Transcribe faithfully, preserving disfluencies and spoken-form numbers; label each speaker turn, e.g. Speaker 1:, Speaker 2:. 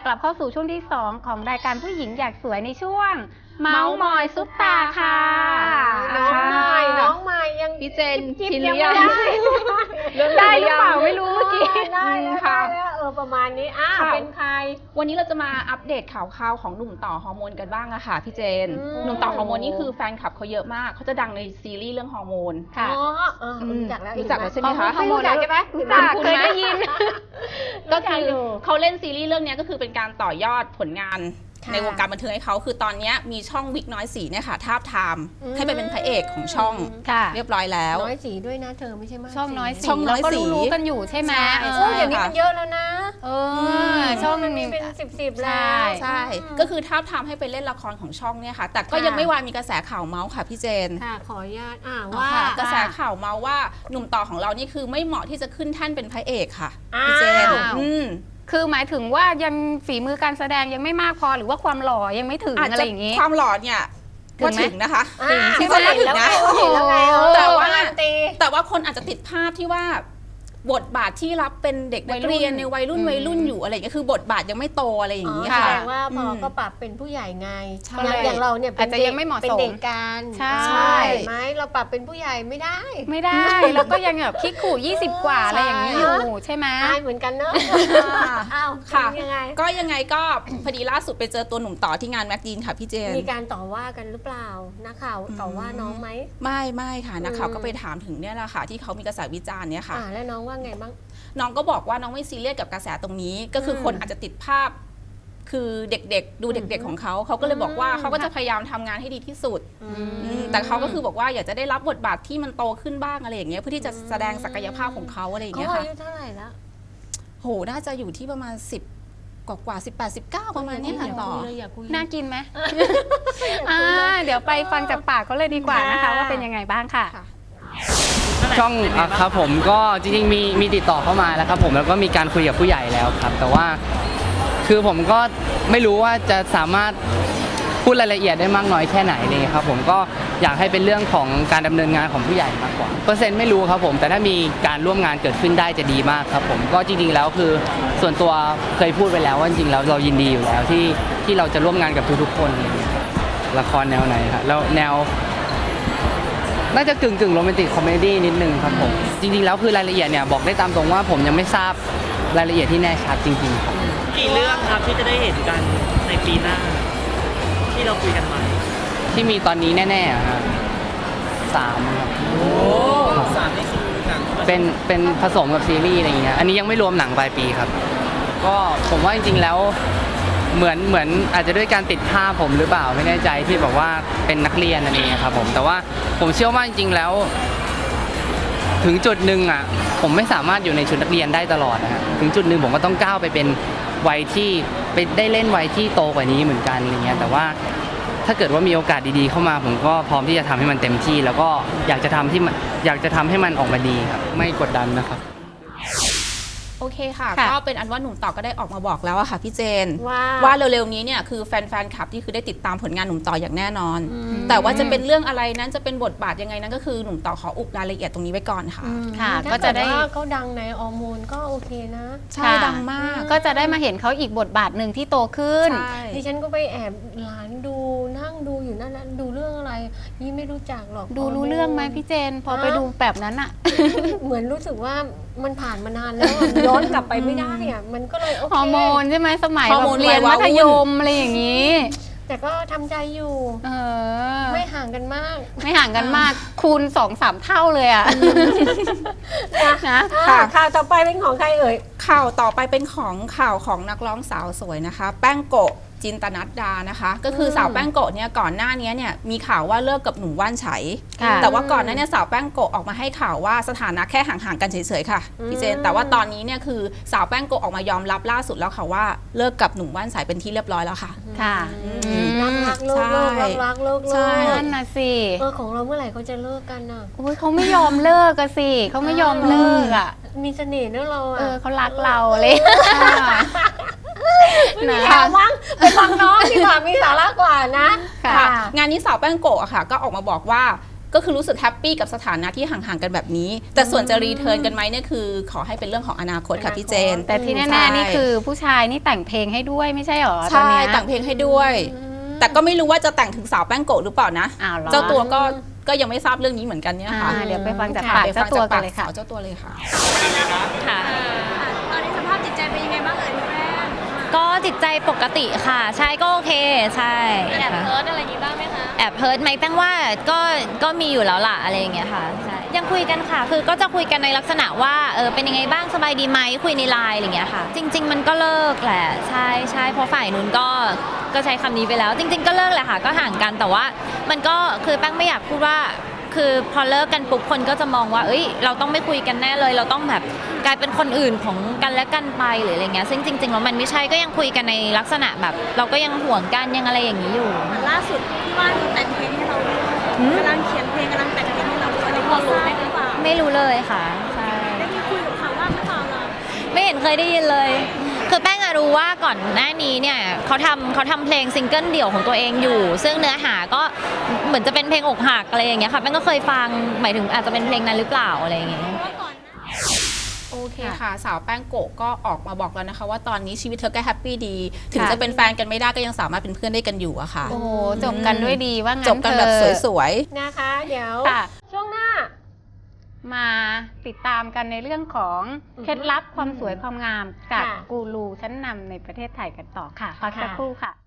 Speaker 1: กลับเข้าสู่ช่วงที่สองของรายการผู้หญิงอยากสวยในช่วงเมาส์มอยซุปตาค่ะ
Speaker 2: น้องใหม่น้องใหม่ยัง
Speaker 3: พี่เจน
Speaker 2: จิบ
Speaker 3: ชิน
Speaker 2: ยั
Speaker 3: ห
Speaker 2: ง
Speaker 3: รือ
Speaker 2: ไม่
Speaker 3: ยัง
Speaker 2: ได้
Speaker 1: ได้หรือเปล่าไม่รู้เมื่อกี้
Speaker 2: ได้แล้ว
Speaker 3: ค่ะ
Speaker 2: ได้แล้วเออประมาณนี้อ่ะเป็นใคร
Speaker 3: วันนี้เราจะมาอัปเดตข่าวคราวของหนุ่มต่อฮอร์โมนกันบ้างอะค่ะพี่เจน
Speaker 2: อืม
Speaker 3: หนุ่มต่อฮอร์โมนนี่คือแฟนคลับเขาเยอะมากเขาจะดังในซีรีส์เรื่องฮอร์โมน
Speaker 1: ค่ะ
Speaker 2: อ๋อเออรู้จักแล้ว
Speaker 3: รู้จักแล้วใช่ไหมคะ
Speaker 2: ไม่รู้จักใช่ไหม
Speaker 1: รู้จักเคยได้ยิน
Speaker 3: ก็คือเขาเล่นซีรีส์เรื่องนี้ก็คือเป็นการต่อยอดผลงานในวงการบันเทิงให้เขาคือตอนนี้มีช่องวิกน้อยสีเนี่ยค่ะทาบทามให้ไปเป็นพระเอกของช่อง
Speaker 1: ค่ะ
Speaker 3: เรียบร้อยแล้ว
Speaker 2: น้อยสีด้วยนะเธอไม่ใช่มาก
Speaker 1: ช่องน้อยสี
Speaker 3: ช่องน้อยสี
Speaker 1: เราก็รู้ๆกันอยู่ใช่ไหม
Speaker 3: ใช่
Speaker 2: โอ้ยอย่างนี้มันเยอะแล้วนะ
Speaker 1: เออช่อง
Speaker 2: มันมี
Speaker 1: นี้
Speaker 2: เป็นสิบสิบแล้
Speaker 1: ใช่
Speaker 2: ว
Speaker 3: ใช่ ก็คือทาบทามให้ไปเล่นละครของช่องเนี่ยค่ะ แต่ก็
Speaker 2: ค่ะ
Speaker 3: ยังไม่วายมีกระแสข่าวเมาส์ค่ะพี่เจน
Speaker 2: ค่ะขออนุญาตอ่า
Speaker 3: อ๋อ
Speaker 2: ว่า
Speaker 3: ค่ะกระแสข่าวเมาส์ว่าหนุ่มต่อของเรานี่คือไม่เหมาะที่จะขึ้นแท่นเป็นพระเอกค่ะ
Speaker 2: อ้าว
Speaker 3: พี่เจนอืม
Speaker 1: คือหมายถึงว่ายังฝีมือการแสดงยังไม่มากพอหรือว่าความหล่อยังไม่ถึง
Speaker 3: อาจ
Speaker 1: อะไร
Speaker 3: จะ
Speaker 1: อย่างนี้
Speaker 3: ความหล่อเนี่ย
Speaker 1: ถึ
Speaker 3: ก็
Speaker 1: งไหม
Speaker 3: ถึงนะคะ
Speaker 2: อ่า
Speaker 3: ที่ว่าถึงนะ
Speaker 2: เห็นแล้วไง
Speaker 1: โอ้
Speaker 2: เออ
Speaker 3: แต่ว่า
Speaker 2: การันตี
Speaker 3: แต่ว่าคนอาจจะติดภาพที่ว่าบทบาทที่รับเป็นเด็กนักเรียนในวัยรุ่น
Speaker 1: อืม
Speaker 3: วัยรุ่นอยู่อะไรอย่างเงี้ยคือบทบาทยังไม่โตอะไรอย่าง
Speaker 2: อ๋อ
Speaker 3: นี้
Speaker 2: แส
Speaker 3: ค่ะ
Speaker 2: ดงว่าพออ
Speaker 3: ม
Speaker 2: ก็ปรับเป็นผู้ใหญ่ไง
Speaker 3: ใช่
Speaker 2: อย่างอย่างเราเนี่ยเป็
Speaker 1: อาจ
Speaker 2: น
Speaker 1: จะ
Speaker 2: เด็
Speaker 1: ยั
Speaker 2: ก
Speaker 1: งไม่เหมาะสม
Speaker 2: เป็นเด็กกัน
Speaker 1: ใช่
Speaker 2: เห็นไหมเราปรับเป็นผู้ใหญ่ไม่ได้
Speaker 1: ไม่ได้ แล้วก็ยังแบบคิดขู่ยี่สิบกว่าอะไรอย่างนี้อยู่ใช่ไหม
Speaker 2: อายเหมือนกันเนอะอ้าว
Speaker 3: ค่ะ
Speaker 2: เป็นยังไง
Speaker 3: ก็ยังไงก็ พอดีล่าสุดไปเจอตัวหนุ่มต่อที่งานแม็กดีนค่ะพี่เจน
Speaker 2: มีการต่อว่ากันหรือเปล่านักข่าวต่อว่าน้องไหม
Speaker 3: ไม่ไม่ค่ะนักข่าว
Speaker 2: อืม
Speaker 3: ก็ไปถามถึงเนี่ยแหละค่ะที่เขามีกระแสวิจารณ์เนี่ยค่ะ
Speaker 2: อ่าแล้วน้องว่าไงบ้าง
Speaker 3: น้องก็บอกว่าน้องไม่ซีเรียสกับกระแสตรงนี้ ก็คืออ
Speaker 2: ม
Speaker 3: คนอาจจะติดภาพ คือเด็กๆ ดูเด็กๆของเขาเขาก็เลยบอกว่า
Speaker 2: อืม
Speaker 3: เขาก็จะพยายามทำงานให้ดีที่สุด
Speaker 2: อื
Speaker 3: อืมแต่เขาก็คือบอกว่าอยากจะได้รับบทบาทที่มันโตขึ้นบ้างอะไรอย่างเงี้ยเพื่อที่จะแสดงศักยภาพของเขาอะไรอย่าง
Speaker 2: เขา
Speaker 3: เงี้ยค่ะ
Speaker 2: อายุเท่าไหร่แล้ว
Speaker 3: โหน่าจะอยู่ที่ประมาณสิบกว่ากว่าสิบแปดสิบเก้าประมาณเนี้ยค่ะต่อ
Speaker 2: เลยอยากคุย
Speaker 1: น่ากินไหมอ่าเดี๋ยวไปฟังจากปากเขาเลยดีกว่านะคะ
Speaker 2: ค่ะ
Speaker 1: ว่าเป็นยังไงบ้างค่ะ
Speaker 3: ค่ะ
Speaker 4: ช่องอ่ะครับผมก็จริงๆมีมีติดต่อเข้ามาแล้วครับผมแล้วก็มีการคุยกับผู้ใหญ่แล้วครับ แต่ว่าคือผมก็ไม่รู้ว่าจะสามารถพูดรายละเอียดได้มากน้อยแค่ไหนเลยครับผมก็อยากให้เป็นเรื่องของการดำเนินงานของผู้ใหญ่มากกว่าเปอร์เซ็นต์ไม่รู้ครับผมแต่ถ้ามีการร่วมงานเกิดขึ้นได้จะดีมากครับผมก็จริงๆแล้วคือส่วนตัวเคยพูดไปแล้วว่าจริงๆแล้วเรายินดีอยู่แล้วที่ที่เราจะร่วมงานกับทุกๆคนอะไรอย่างเงี้ยครับละครแนวไหนครับแล้วแนว น่าจะกึ่งกึ่งโรแมนติกคอมเมดี้นิดนึงครับผมจริงๆแล้วคือรายละเอียดเนี่ยบอกได้ตามตรงว่าผมยังไม่ทราบรายละเอียดที่แน่ชัดจริงๆครับ
Speaker 5: กี่เรื่องครับที่จะได้เห็นกันในปีหน้า ที่เราคุยกันมา
Speaker 4: ที่มีตอนนี้แน่ๆอะครับสามครับ
Speaker 5: สามนี่คือหนัง
Speaker 4: เป็นเป็นผสมกับซีรีส์อะไรอย่างเงี้ยอันนี้ยังไม่รวมหนังปลายปีครับ ก็ผมว่าจริงๆแล้วเหมือนเหมือนอาจจะด้วยการติดภาพผมหรือเปล่าไม่แน่ใจที่บอกว่าเป็นนักเรียนนั่นเองครับผมแต่ว่าผมเชื่อว่าจริงๆแล้ว ถึงจุดหนึ่งอ่ะผมไม่สามารถอยู่ในชุดนักเรียนได้ตลอดนะฮะถึงจุดหนึ่งผมก็ต้องก้าวไปเป็นวัยที่ไปได้เล่นวัยที่โตกว่านี้เหมือนกันอะไรเงี้ยแต่ว่าถ้าเกิดว่ามีโอกาสดีๆเข้ามา ผมก็พร้อมที่จะทำให้มันเต็มที่ แล้วก็อยากจะทำที่มันอยากจะทำให้มันออกมาดีครับไม่กดดันนะครับ
Speaker 3: โอเคค่ะ
Speaker 1: ค่ะ
Speaker 3: ก็เป็นอันว่าหนุ่มต่อก็ได้ออกมาบอกแล้วอะค่ะพี่เจน
Speaker 2: ว่า
Speaker 3: ว่าเร็วๆนี้เนี่ยคือแฟนๆคลับที่คือได้ติดตามผลงานหนุ่มต่ออย่างแน่นอน
Speaker 2: อืม
Speaker 3: แต่ว่าจะเป็นเรื่องอะไรนั้นจะเป็นบทบาทยังไงนั้นก็คือหนุ่มต่อขออุบรายละเอียดตรงนี้ไว้ก่อนค่ะ
Speaker 1: ค่ะ
Speaker 2: ถ้า
Speaker 1: ก็จะได้
Speaker 2: เกิว่าเขาดังในออร์โมนก็โอเคนะ
Speaker 3: ใช่
Speaker 1: ค่ะ
Speaker 3: ดังมาก
Speaker 1: ก็จะได้มาเห็นเขาอีกบทบาทหนึ่งที่โตขึ้น
Speaker 3: ใช่
Speaker 2: ดิฉันก็ไปแอบหลานดูนั่งดูอยู่นั่นนะดูเรื่องอะไรยี่ไม่รู้จักหรอก
Speaker 1: ดูรู้เรื่องไหมพี่เจน พอไปดูแบบนั้นอะ
Speaker 2: เหมือนรู้สึกว่ามันผ่านมานานแล้วอะย้อนกลับไปไม่ได้อะมันก็เลยโอเค
Speaker 1: ฮอร์โมนใช่ไหมสมัย
Speaker 3: ฮอร์
Speaker 1: แบ
Speaker 3: โม
Speaker 1: บ
Speaker 3: น
Speaker 1: เรียน
Speaker 3: วั
Speaker 1: มั
Speaker 3: ย
Speaker 1: ธ
Speaker 3: รุ่น
Speaker 1: ยมอะไรอย่างนี้
Speaker 2: แต่ก็ทำใจอยู่
Speaker 1: เออ
Speaker 2: ไม่ห่างกันมาก
Speaker 1: ไม่ห่างกันมากคูณสองสามเท่าเลยอะนะ
Speaker 2: อ่าข่าวต่อไปเป็นของใครเอ่ย
Speaker 3: ข่าวต่อไปเป็นของข่าวของนักร้องสาวสวยนะคะ แป้งโกะจินตนัดดานะคะ ก็คือสาวแป้งโกะเนี่ยก่อนหน้านี้เนี่ยมีข่าวว่าเลิกกับหนุ่มว่านไฉ
Speaker 1: ค่ะ
Speaker 3: แต่ว่าก่อนหน้านี้สาวแป้งโกะออกมาให้ข่าวว่าสถานะแค่ห่างๆกันเฉยๆค่ะพี่เจน
Speaker 2: อืม
Speaker 3: แต่ว่าตอนนี้เนี่ยคือสาวแป้งโกะออกมายอมรับล่าสุดแล้วค่ะว่าเลิกกับหนุ่มว่านไฉเป็นที่เรียบร้อยแล้วค่ะ
Speaker 1: ค่ะ
Speaker 2: อื
Speaker 1: อืม
Speaker 2: มรักรักเลิกเลิก
Speaker 3: ใช่
Speaker 2: รักรักเลิก
Speaker 3: ใช่
Speaker 2: เลิก
Speaker 1: นั่นน่ะสิ
Speaker 2: เออของเราเมื่อไหร่เขาจะเลิกกันอ่ะ
Speaker 1: โอ้ยเขาไม่ยอมเลิกอะสิเขาไม่ยอมเลิกอะ
Speaker 2: มีเสน่ห์เนอะเราอ่ะ
Speaker 1: เออเขารักเราเลย
Speaker 2: ไม่มีข่าวมั้งไปฟังน้องดีกว่ามีสาระกว่านะ
Speaker 1: ค่ะ
Speaker 3: ค่ะงานนี้สาวแป้งโกะอะค่ะ ก็ออกมาบอกว่าก็คือรู้สึกแฮปปี้กับสถานะที่ห่างๆกันแบบนี้ แต่ส่วนจะรีเทิร์นกันไหมเนี่ยคือขอให้เป็นเรื่องของอนาคตค่ะพี่เจน
Speaker 1: แต่ที่แน่ๆนี่คือผู้ชายนี่แต่งเพลงให้ด้วยไม่ใช่หรอตอน
Speaker 3: ใช่
Speaker 1: เนี้ย
Speaker 3: แต่งเพลงให้ด้วย แต่ก็ไม่รู้ว่าจะแต่งถึงสาวแป้งโกะหรือเปล่านะ
Speaker 1: อ้าวเหรอ
Speaker 3: เจ้าตัวก็ก็ยังไม่ทราบเรื่องนี้เหมือนกันเนี่ยค่ะ
Speaker 1: อ่าเดี๋ยวไปฟังจาก
Speaker 3: ค่ะ
Speaker 1: ปาก
Speaker 3: ไปฟั
Speaker 1: เจ้าง ตัว
Speaker 3: จาก
Speaker 1: กั
Speaker 3: ปาน ก
Speaker 1: เลย
Speaker 3: สา
Speaker 1: ค่ะ
Speaker 3: วเจ้าตัวเลยค่ะ
Speaker 6: ค่ะ
Speaker 7: ตอนนี้สภาพจิตใจเป็นยังไงบ้างเอ่ยคุณแม่
Speaker 6: ก็จิตใจปกติค่ะ ใช่ก็โอเคใช่
Speaker 7: แอบ
Speaker 6: ค่ะ
Speaker 7: เฮิร์ตอะไรอย่างนี้บ้างไหมคะ
Speaker 6: แอบเฮิร์ตไหมแป้งว่าก็ก็มีอยู่แล้วล่ะอะไรอย่างเงี้ยค่ะใช่ยังคุยกันค่ะ คือก็จะคุยกันในลักษณะว่าเออเป็นยังไงบ้างสบายดีไหมคุยในไลน์อะไรอย่างเงี้ยค่ะ จริง ๆ มันก็เลิกแหละใช่ใช่เพราะฝ่ายนู้นก็ก็ใช้คำนี้ไปแล้ว จริง ๆ ก็เลิกแหละค่ะก็ห่างกันแต่ว่ามันก็คือแป้งไม่อยากพูดว่า คือพอเลิกกันปุ๊บคนก็จะมองว่า เอ้ย เราต้องไม่คุยกันแน่เลย เราต้องแบบกลายเป็นคนอื่นของกันและกันไปหรืออะไรเงี้ย ซึ่งจริงๆแล้วมันไม่ใช่ก็ยังคุยกันในลักษณะแบบ เราก็ยังห่วงกันยังอะไรอย่างนี้อยู่
Speaker 7: ล่าสุดที่ว่าแต่งเพลงให้เราด้วย
Speaker 6: หืม
Speaker 7: กำลังเขียนเพลงกำลังแต่งเพลงให้เราด้วยอันนี้พอรู้ไหมหรือเปล่า
Speaker 6: ไม่รู้เลยค่ะ ใช่
Speaker 7: ได้มีคุยกับเขาบ้างหรือเปล่าล่ะ
Speaker 6: ไม่เห็นเคยได้ยินเลย คือแป้งอะรู้ว่าก่อนหน้านี้เนี่ยเขาทำเขาทำเพลงซิงเกิลเดี่ยวของตัวเองอยู่ ซึ่งเนื้อหาก็เหมือนจะเป็นเพลงอกหักอะไรอย่างเงี้ยค่ะแป้งก็เคยฟังหมายถึงอาจจะเป็นเพลงนั้นหรือเปล่าอะไรอย่างเงี้ย
Speaker 3: โอเคค่ะ สาวแป้งโกะก็ออกมาบอกแล้วนะคะ ว่าตอนนี้ชีวิตเธอก็แฮปปี้ดี ถึง
Speaker 1: ค่ะ
Speaker 3: จะเป็นแฟนกันไม่ได้ก็ยังสามารถเป็นเพื่อนได้กันอยู่อะค่ะ
Speaker 1: โอ้โหจบกันด้วยดีว่างั้น
Speaker 3: จบกันแบบ
Speaker 1: เถอะ
Speaker 3: สวย
Speaker 2: นะคะ เดี๋ยว
Speaker 1: ค่ะ
Speaker 2: ช่วงหน้า
Speaker 1: มาติดตามกันในเรื่องของ
Speaker 2: อือฮึ
Speaker 1: เคล็ดลับความสวยความงามจาก
Speaker 2: ค่ะ
Speaker 1: กูรูชั้นนำในประเทศไทยกันต่อค่ะพักสัก
Speaker 2: ค่ะ
Speaker 1: ครู่ค่ะ